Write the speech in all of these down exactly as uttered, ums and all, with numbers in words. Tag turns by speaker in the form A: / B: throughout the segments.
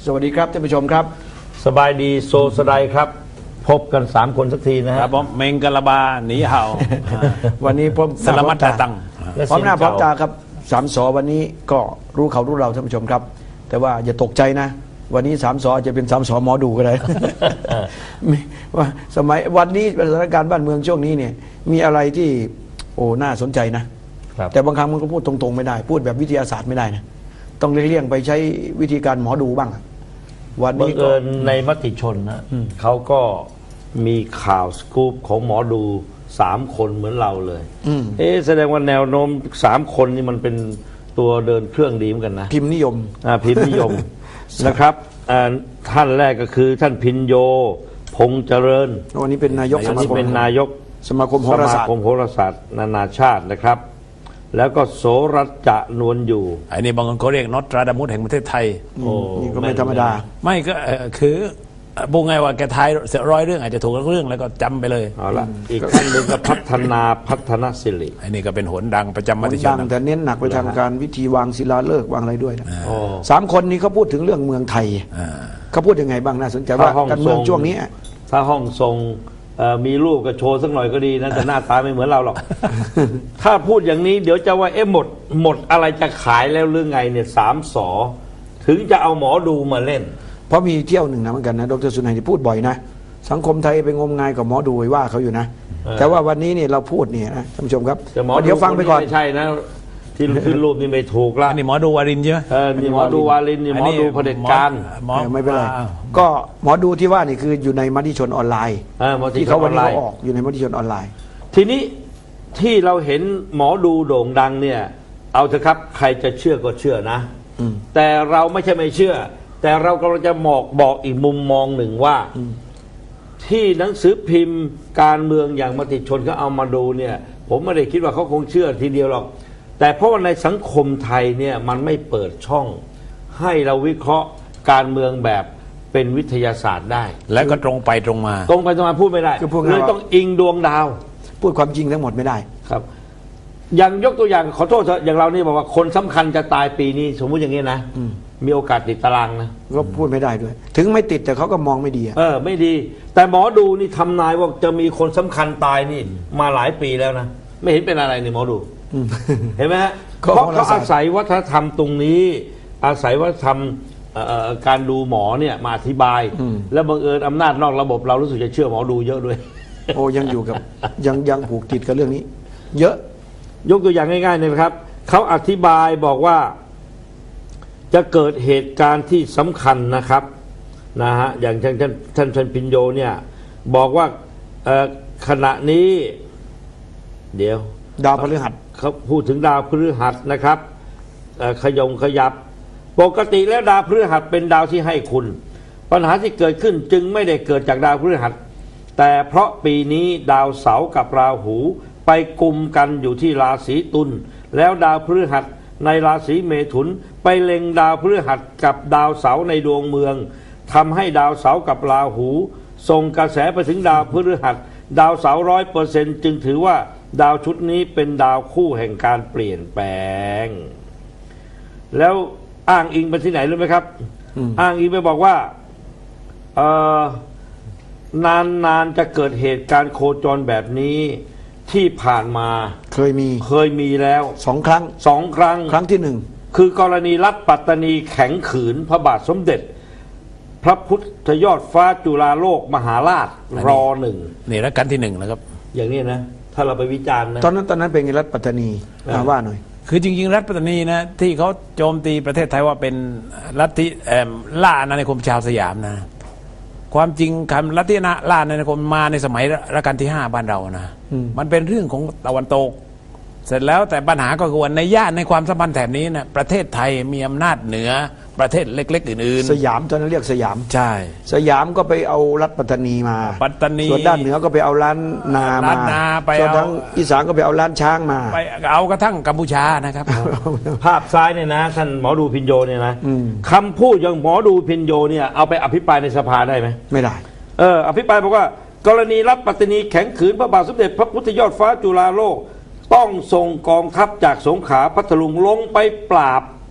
A: สวัสดีครับท่านผู้ชมครับ
B: สบายดีโซสดายครับพบกันสามคนสักทีนะฮะ
C: ผมเมงกะลาบาหนีเห่า
A: วันนี้ผม
C: สลามัตตาตัง
A: พร้อมหน้าพร้อมตาครับสามสอวันนี้ก็รู้เขารู้เราท่านผู้ชมครับแต่ว่าอย่าตกใจนะวันนี้สามสอจะเป็นสามสอหมอดูก็ได้ว่าสมัยวันนี้สถานการณ์บ้านเมืองช่วงนี้เนี่ยมีอะไรที่โอ้น่าสนใจนะแต่บางครั้งมันก็พูดตรงๆไม่ได้พูดแบบวิทยาศาสตร์ไม่ได้นะต้องเลี่ยงไปใช้วิธีการหมอดูบ้าง
B: วันนี้ก็ในมติชนนะเขาก็มีข่าวสกู๊ปของหมอดูสามคนเหมือนเราเลยเอ๊ะแสดงว่าแนวโน้มสามคนนี่มันเป็นตัวเดินเครื่องดีเหมือนกันนะ
A: พิมพ์นิยม
B: อ่าพิมพ์นิยมนะครับท่านแรกก็คือท่านพินโยพงษ์เจริญ
A: วันนี้เป็นนายกสมาคม
B: เป็นนายก
A: สมาคมโหราศาสตร์
B: สมาคมโหราศาสตร์นานาชาตินะครับแล้วก็โสรัจจะนวลอยู่
C: อันนี้บางคนเขาเรียกนอตราดามุสแห่งประเทศไทย
A: โอ้นี่ก็ไม่ธรรมดา
C: ไม่ก็คือบุงไงว่าแกทายเสียร้อยเรื่องอาจจะถูกเรื่องแล้วก็จำไปเลย
B: เอาละอีกท่านหนึ่งก็พัฒนาพัฒนศิริ
C: อันนี้ก็เป็นหนดังประจำมติชน
A: แต่เน้นหนักไปทางการวิธีวางศิลาฤกษ์วางอะไรด้วยนะสามคนนี้เขาพูดถึงเรื่องเมืองไทยเขาพูดยังไงบ้างน่าสนใจว่าการเมืองช่วงนี้
B: ถ้าห้องทรงมีรูปก็โชว์สักหน่อยก็ดีนะแต่หน้าตาไม่เหมือนเราหรอกถ้าพูดอย่างนี้เดี๋ยวจะว่าเอ๊ะหมดหมดอะไรจะขายแล้วหรือไงเนี่ยสามสอถึงจะเอาหมอดูมาเล่น
A: เพราะมีเที่ยวหนึ่งนะเหมือนกันนะดร.สุนัยที่พูดบ่อยนะสังคมไทยไปงมงายกับหมอดูว่าเขาอยู่นะแต่ว่าวันนี้เนี่ยเราพูดเนี่ยนะท่านผู้ชมครับเดี๋ยวฟังไปก่อน
B: ไม่ใช่นะที่ขึ้นรูปนี่ไม่ถูกละ
C: นี่หมอดูวารินใช่ไหม
B: เออนี่หมอดูวารินนี่หมอดูเผด็จการ
A: ไม่เป็นไรก็หมอดูที่ว่านี่คืออยู่ในมติชนออนไลน์ที่เขาวันนี้เขาออกอยู่ในมติชนออนไลน์
B: ทีนี้ที่เราเห็นหมอดูโด่งดังเนี่ยเอาเถอะครับใครจะเชื่อก็เชื่อนะแต่เราไม่ใช่ไม่เชื่อแต่เรากำลังจะบอกบอกอีกมุมมองหนึ่งว่าที่หนังสือพิมพ์การเมืองอย่างมติชนเขาเอามาดูเนี่ยผมไม่ได้คิดว่าเขาคงเชื่อทีเดียวหรอกแต่เพราะว่าในสังคมไทยเนี่ยมันไม่เปิดช่องให้เราวิเคราะห์การเมืองแบบเป็นวิทยาศาสตร์ได้
C: และก็ตรงไปตรงมา
B: ตรงไปตรงมาพูดไม่ได้เลยต้องอิงดวงดาว
A: พูดความจริงทั้งหมดไม่ได้
B: ครับอย่างยกตัวอย่างขอโทษอย่างเรานี่บอกว่าคนสำคัญจะตายปีนี้สมมุติอย่างนี้นะมีโอกาสติดตารางนะ
A: ก็พูดไม่ได้ด้วย ถึงไม่ติดแต่เขาก็มองไม่ดี
B: เออไม่ดีแต่หมอดูนี่ทำนายว่าจะมีคนสำคัญตายนี่มาหลายปีแล้วนะไม่เห็นเป็นอะไรนี่หมอดูเห็นไหมฮะเพราะเขาอาศัยวัฒนธรรมตรงนี้อาศัยวัฒนธรรมการดูหมอเนี่ยมาอธิบายแล้วบังเอิญอำนาจนอกระบบเรารู้สึกจะเชื่อหมอดูเยอะด้วย
A: โอ้ยังอยู่กับยังยังผูกติดกับเรื่องนี้เยอะ
B: ยกตัวอย่างง่ายๆเลยครับเขาอธิบายบอกว่าจะเกิดเหตุการณ์ที่สำคัญนะครับนะฮะอย่างท่านท่านท่านท่านพินโยเนี่ยบอกว่าขณะนี้เดี๋ยว
A: ดาวพฤหัส
B: เขาพูดถึงดาวพฤหัสนะครับขยงขยับปกติแล้วดาวพฤหัสเป็นดาวที่ให้คุณปัญหาที่เกิดขึ้นจึงไม่ได้เกิดจากดาวพฤหัสแต่เพราะปีนี้ดาวเสาร์กับราหูไปกุมกันอยู่ที่ราศีตุลแล้วดาวพฤหัสในราศีเมถุนไปเล็งดาวพฤหัสกับดาวเสาร์ในดวงเมืองทำให้ดาวเสาร์กับราหูส่งกระแสไปถึงดาวพฤหัสดาวเสาร์ร้อยเปอร์เซ็นต์จึงถือว่าดาวชุดนี้เป็นดาวคู่แห่งการเปลี่ยนแปลงแล้วอ้างอิงไปที่ไหนรู้ไหมครับอ้างอิงไปบอกว่าเอ่อนานๆจะเกิดเหตุการณ์โคจรแบบนี้ที่ผ่านมา
A: เคยมี
B: เคยมีแล้ว
A: สองครั้ง
B: สองครั้ง
A: ครั้งที่หนึ่ง
B: คือกรณีรัฐปัตตานีแข็งขืนพระบาทสมเด็จพระพุทธยอดฟ้าจุฬาโลกมหาราชรอหนึ่ง
C: นี่รัชกาลที่หนึ่งนะครับ
B: อย่างนี้นะถ้าเราไปวิจารณ์นะ
A: ตอนนั้นตอนนั้นเป็นไงรัฐปัตตานีมาว่าหน่อย
C: คือจริงๆรัฐปัตตานีนะที่เขาโจมตีประเทศไทยว่าเป็นลัทธิล่าอาณานิคมชาวสยามนะความจริงคำลัทธิล่าอาณานิคมมาในสมัยรัชกาลที่ห้าบ้านเรานะมันเป็นเรื่องของตะวันตกเสร็จแล้วแต่ปัญหาก็คือว่าในย่านในความสัมพันธ์แถบนี้นะประเทศไทยมีอำนาจเหนือประเทศเล็กๆอื่น
A: ๆสยามตอนนั้นเรียกสยาม
C: ใช่
A: สยามก็ไปเอารัฐปัตตานีมา
C: ปัตตานี
A: ส่วนด้านเหนือก็ไปเอาล้านนามาส่วนทางอีสานก็ไปเอาล้านช้างมา
C: ไปเอากระทั่งกัมพูชานะครับ
B: ภาพซ้ายเนี่ยนะท่านหมอดูพินโยเนี่ยนะคำพูดอย่างหมอดูพินโยเนี่ยเอาไปอภิปรายในสภาได้ไหม
A: ไม่ได้
B: เอออภิปรายบอกว่ากรณีรัฐปัตตานีแข็งขืนพระบาทสมเด็จพระพุทธยอดฟ้าจุฬาโลกต้องส่งกองทัพจากสงขลาพัทลุงลงไปปราบ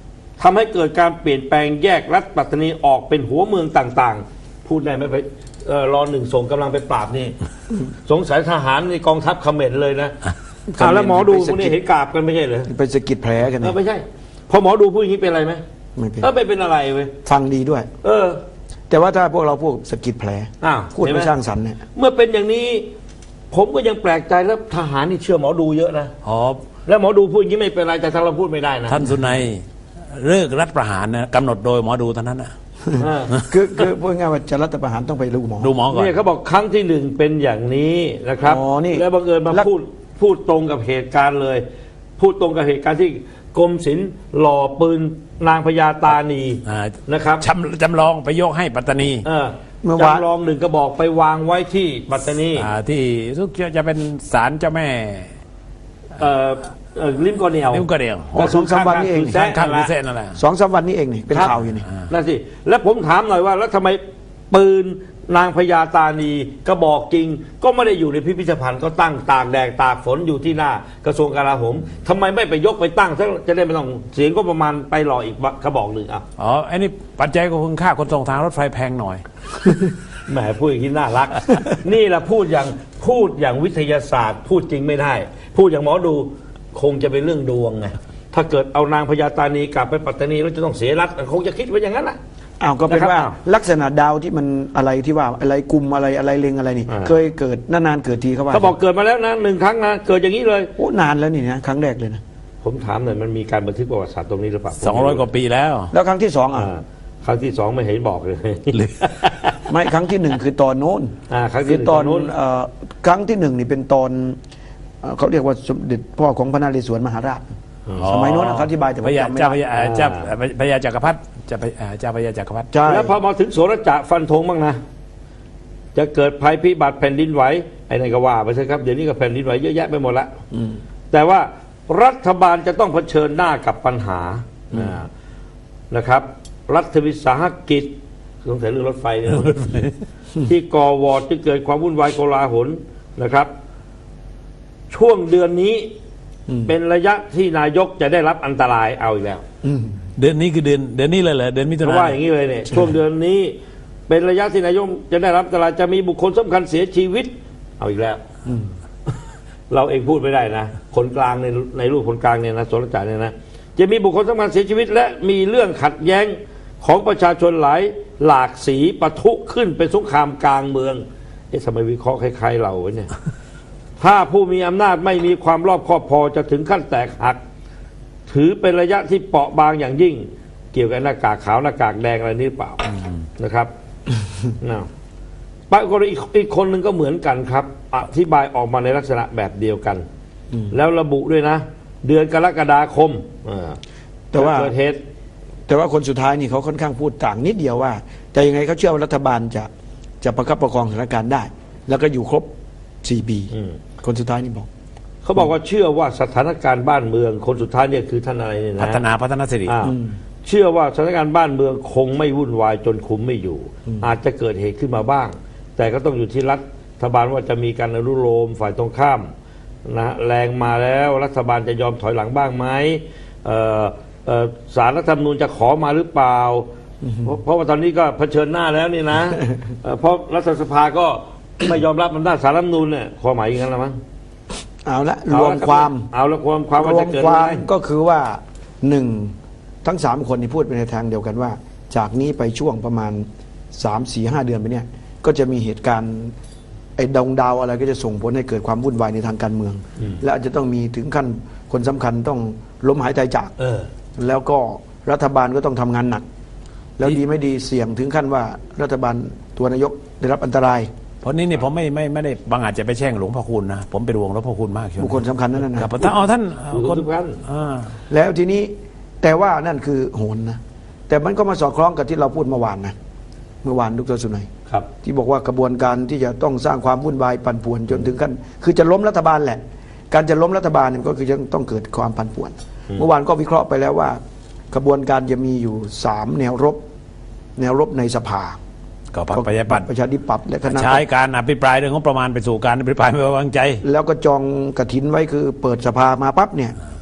B: ทำให้เกิดการเปลี่ยนแปลงแยกรัฐปัตตานีออกเป็นหัวเมืองต่างๆ พูดได้ไหมไปเอ่อรอหนึ่งส่งกำลังไปปราบนี่ สงสัยทหารในกองทัพเขมรเลยนะอ่าแล้วหมอดูพวกนี้เห็นกราบกันไม่ใช่เหรอ
A: ไปสะกิดแผลกัน
B: เอ
A: นะ
B: อไม่ใช่พอหมอดูพูดอย่างนี้เป็นอะไรไหม
A: ไม่เป็น
B: เออไม่เป็นอะไรเว้ย
A: ฟังดีด้วย
B: เออ
A: แต่ว่าถ้าพวกเราพูดสะกิดแผล
B: อ้าว
A: พูด
B: เห็นไหม
A: ไม่สร้างสรรค์เนี่ย
B: เมื่อเป็นอย่างนี้ ผมก็ยังแปลกใจแล้วทหารนี่เชื่อหมอดูเยอะนะ
C: อ๋อ
B: แล้วหมอดูพูดอย่างนี้ไม่เป็นไรแต่ทางเราพูดไม่ได้นะ
C: ท่านสุนัยเลิกรัฐประหารนะกำหนดโดยหมอดูเท่านั้นนะ
B: เออ
A: คือคือพูดง่ายๆว่าจะรัฐประหารต้องไปดูหมอ
C: ดูหมอก่อน
B: เนี่ยเขาบอกครั้งที่หนึ่งเป็นอย่างนี้นะครับ
A: อ๋อนี่
B: แล้วบังเอิญมา
A: แล้ว
B: พูดพูดตรงกับเหตุการณ์เลย พูดตรงกับเหตุการณ์ที่กรมศิลป์หล่อปืนนางพญาตานี
C: อ่า
B: นะครับ
C: จำจำลองไปยกให้ปัตตานี
B: เออ
A: เมื่อวาน
B: จำลองหนึ่งกระบอกไปวางไว้ที่ปัตตานี
C: อ่าที่ทุกจะเป็นศาลเจ้าแม่
B: เอ่อเอ่อลิมกอเนียว
C: นิ้วกระเดียว
B: ก็
A: สองสามวันนี้เอง
B: แซะ
C: ข้าง
B: นั่น
C: พิ
B: แห
C: เศ
B: ละ
C: ษนั่นแหละ
A: สองสามวันนี้เองนี่เป็น
B: ครับ
A: ข่าวอยู่นี่
B: นั่นสิแล้วผมถามหน่อยว่าแล้วทำไมปืนนางพญาตานีกระบอกจริง ก็ไม่ได้อยู่ในพิพิธภัณฑ์ก็ตั้งตากแดดตากฝนอยู่ที่หน้ากระทรวงกลาโหมทำไมไม่ไปยกไปตั้งซะจะได้ไม่ต้องเสียงก็ประมาณไปหล่ออีกกระบอกหนึ่งอ่ะ
C: อ๋อไอ้นี่ปัจจัยก็คือค่าขนส่งทางรถไฟแพงหน่อย
B: แหมพูดอย่างนี้น่ารัก นี่แหละพูดอย่างพูดอย่างวิทยาศาสตร์ พูดจริงไม่ได้ พูดอย่างหมอดูคงจะเป็นเรื่องดวงไงถ้าเกิดเอานางพญาตานีกลับไปปัตตานีแล้วจะต้องเสียรัฐคงจะคิดไว้อย่างนั้นแหละ
A: อ้าวก็เป็น
B: นะครับ
A: ว่า
B: อ้าว
A: ลักษณะดาวที่มันอะไรที่ว่าอะไรกลุ่มอะไรอะไรเล็งอะไรนี่
B: อ่า
A: เคยเกิดนานๆเกิดทีเขาว่า
B: เขาบอกเกิดมาแล้วนะหนึ่งครั้งนะเกิดอย่างนี้เลย
A: โอ้นานแล้วนี่นะครั้งแรกเลยนะ
B: ผมถามหน่อยมันมีการบันทึกประวัติศาสตร์ตรงนี้หรือเปล่า
C: สองร้อยกว่าปีแล้ว
A: แล้วครั้งที่สองอ่ะ
B: อ่าครั้งที่สองไม่เห็นบอกเลย
A: ไม่ครั้งที่หนึ่งคือตอนโน้น
B: อ่าครั้งที่
A: คือตอน
B: หนึ่งตอนโน้น
A: เอ่อครั้งที่หนึ่งนี่เป็นตอนเอ่อเขาเรียกว่าสมเด็จพ่อของพระนเรศวรมหาราช สมัยโน้นนะเขาอธิบายแต่ผม
C: พญา
A: จำไม่
C: เจ้าพ
A: ได้
C: ญาเจ้าพญาจักรพรรดิเจ้าพญาเจ้าพญาจักรพรรดิ
A: ใช่
B: แล้วพอมาถึงโสรจะฟันธงบ้างนะ จะเกิดภัยพิบัติแผ่นดินไหวไอ้นั่นก็ว่าไปใช่ครับเดี๋ยวนี้ก็แผ่นดินไหวเยอะแยะไปหมดละแต่ว่ารัฐบาลจะต้องเผชิญหน้ากับปัญหาอ่านะครับ รัฐวิสาหกิจสงสัยเรื่องรถไฟเนี่ย ที่ก่อวอร์ดที่เกิดความวุ่นวายโกลาหลนะครับ ช่วงเดือนนี้เป็นระยะที่นายกจะได้รับอันตรายเอาอีกแล้ว
A: อืม
C: เดือนนี้คือเดือนเดือนนี้เลยเหรอเดือนมิถุ
B: เพ
C: นา
B: ราะว่าอย่างนี้เลยเนี่ยช่วงเดือนนี้เป็นระยะที่นายกจะได้รับอันตรายจะมีบุคคลสำคัญเสียชีวิตเอาอีกแล้วเราเองพูดไม่ได้นะคนกลางในในรูปคนกลางเนี่ยนะสรจาเนี่ยนะจะมีบุคคลสำคัญเสียชีวิต และมีเรื่องขัดแย้งของประชาชนหลายหลากสีปะทุขึ้นเป็นสงครามกลางเมืองเอ๊ะทำไมวิเคราะห์คล้ายๆเราวะเนี่ย ถ้าผู้มีอำนาจไม่มีความรอบคอบพอจะถึงขั้นแตกหัก ถือเป็นระยะที่เปราะบางอย่างยิ่ง เกี่ยวกับหน้ากากขาวหน้ากากแดงอะไรนี่หรือเปล่านะครับ นะปรากฏอีกอีกคนหนึ่งก็เหมือนกันครับ อธิบายออกมาในลักษณะแบบเดียวกัน แล้วระบุด้วยนะ เดือนกรกฎาคมอ่า
A: แต่ว่า
B: เกิดเหตุ
A: แต่ว่าคนสุดท้ายนี่เขาค่อนข้างพูดต่างนิดเดียวว่าแต่ยังไงเขาเชื่อว่ารัฐบาลจะจะประคับประคองสถานการณ์ได้ แล้วก็อยู่ครบสี่ปี
B: อืม
A: คนสุดท้ายนี่บอก
B: เขาบอกว่าเชื่อว่าสถานการณ์บ้านเมือง คนสุดท้ายเนี่ยคือท่านอะไรเนี่ยนะ
C: พัฒนาพัฒนาสิริ
B: อ่าเชื่อว่าสถานการณ์บ้านเมืองคงไม่วุ่นวายจนคุมไม่อยู่ อาจจะเกิดเหตุขึ้นมาบ้าง แต่ก็ต้องอยู่ที่รัฐบาลว่าจะมีการอนุโลมฝ่ายตรงข้ามนะแรงมาแล้วรัฐบาลจะยอมถอยหลังบ้างไหมเอ่อเอ่อศาลรัฐธรรมนูญจะขอมาหรือเปล่า เพราะเพราะว่าตอนนี้ก็เผชิญหน้าแล้วนี่นะ เอ่อเพราะรัฐสภาก็ไม่ยอมรับอำนาจศาลรัฐธรรมนูญเนี่ยความหมายอย่างนั้นละมั้ง
A: เอาละ
B: เอ
A: รวม
B: ละบ
A: ความ
B: เอาละความความ
A: ร
B: ว่าว
A: ม
B: จะเกิด
A: ค
B: อะ
A: วาม
B: ไร
A: ก็คือว่าหนึ่งทั้งสามคนนี่พูดไปในทางเดียวกันว่า จากนี้ไปช่วงประมาณสามสี่ห้าเดือนไปเนี่ยก็จะมีเหตุการณ์ไอ้ดวงดาวอะไรก็จะส่งผลให้เกิดความวุ่นวายในทางการเมือง และอาจจะต้องมีถึงขั้นคนสำคัญต้องล้มหายใจจาก
B: เออ
A: แล้วก็รัฐบาลก็ต้องทำงานหนัก แล้วดีไม่ดีเสี่ยงถึงขั้นว่ารัฐบาลตัวนายกได้รับอันตราย
C: เพราะนี้เนี่ยผมไม่ไม่ไม่ได้บางอาจจะไปแช่งหลวงพ่อคุณนะผมเป็นห่วงหลวงพ่อคุณมากช่วง
A: บุคคลสำคัญนั่น
C: ครั
A: นะ
C: บท่านอ๋อท่านเอ่อ
B: บุคคลสำคัญ
C: อ่า
A: แล้วทีนี้แต่ว่านั่นคือโหนนะแต่มันก็มาสอดคล้องกับที่เราพูดเมื่อวานนะเมื่อวานดรสุนัย
B: ครับ
A: ที่บอกว่ากระบวนการที่จะต้องสร้างความวุ่นวายปั่นป่วนจนถึงขั้นคือจะล้มรัฐบาลแหละ การจะล้มรัฐบาลเนี่ยก็คือจะต้องเกิดความปั่นป่วน เมื่อวานก็วิเคราะห์ไปแล้วว่า กระบวนการจะมีอยู่สามแนวรบ แนวรบในสภา
C: ก็พรรคประชาธิปัตย์
A: ประชาธิปัตย์และคณะ
C: ใช้การอภิปรายเรื่องงบประมาณไปสู่การอภิปรายไม่ไว้วางใจ
A: แล้วก็จองกระถินไว้คือเปิดสภามาปั๊บเนี่ย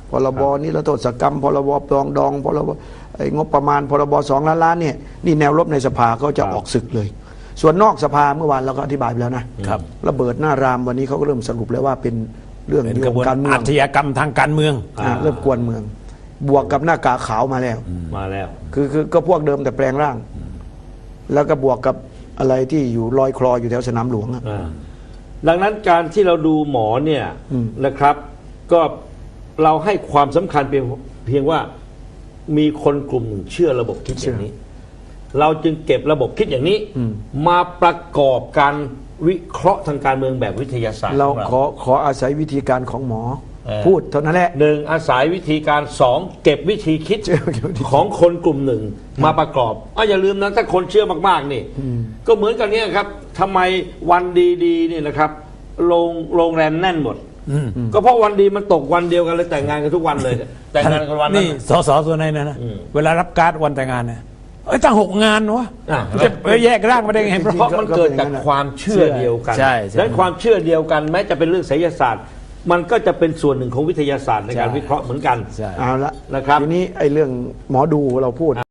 A: พรบนิรโทษกรรมพรบปรองดองพรบไอ้งบประมาณพรบสองล้านล้านเนี่ยนี่แนวรบในสภาเขาจะออกศึกเลย ส่วนนอกสภาเมื่อวานเราก็อธิบายไปแล้วนะครับ ระเบิดหน้ารามวันนี้เขาก็เริ่มสรุปแล้วว่าเป็นเรื่อง
C: เป็น
A: เรื่
C: ก
A: อ
C: ระบวน
A: งการเมือ
C: อาง ชญากรรมทางการเมือง
A: อ่าเริ่มกวนเมือง บวกกับหน้ากากขาวมาแล้ว
B: มาแล้ว
A: คือคือก็พวกเดิมแต่แปลงร่าง แล้วก็บวกกับอะไรที่อยู่ลอยคลออยู่แถวสนามหลวงอะ
B: อ่าดังนั้นการที่เราดูหมอเนี่ย
A: อืม
B: นะครับ ก็เราให้ความสำคัญเพียงเพียงว่ามีคนกลุ่มหนึ่งเชื่อระบบคิดอย่างนี้ เราจึงเก็บระบบคิดอย่างนี้ มาประกอบการวิเคราะห์ทางการเมืองแบบวิทยาศาสตร์
A: เรา
B: ของ
A: ขอขออาศัยวิธีการของหมอ
B: เออ
A: พูดเท่านั้นแหละ
B: หนึ่งอาศัยวิธีการสองเก็บวิธีคิด
A: เชื่อเก็บวิธี
B: ของคนกลุ่มหนึ่งมาประกอบอ่ะอย่าลืมนะถ้าคนเชื่อมากๆนี่ก็เหมือนกันเนี่ยครับทำไมวันดีๆเนี่ยนะครับโรงโรงแรมแน่นหมดก็เพราะวันดีมันตกวันเดียวกันเลยแต่งงานกันทุกวันเลย แต่งงานกันวันนั้น
C: นี่สสส่วนไหนนะนะ
B: อืม
C: เวลารับการ์ดวันแต่งงานเนี่ยเอ้ยตั้งหกงานวะ
B: อ่ะ
C: จะไปแยกร่างมาได้ไง
B: เพราะมันเกิดจากความเชื่อเดียวกัน
C: ใช่ใช่
B: ดังนั้นความเชื่อเดียวกันแม้จะเป็นเรื่องไสยศาสตร์ มันก็จะเป็นส่วนหนึ่งของวิทยาศาสตร์ในการ
C: ใช่
B: วิเคราะห์เหมือนกัน
C: ใช่
A: เอาละ
B: นะครับ
A: ทีนี้ไอ้เรื่องหมอดูเราพูด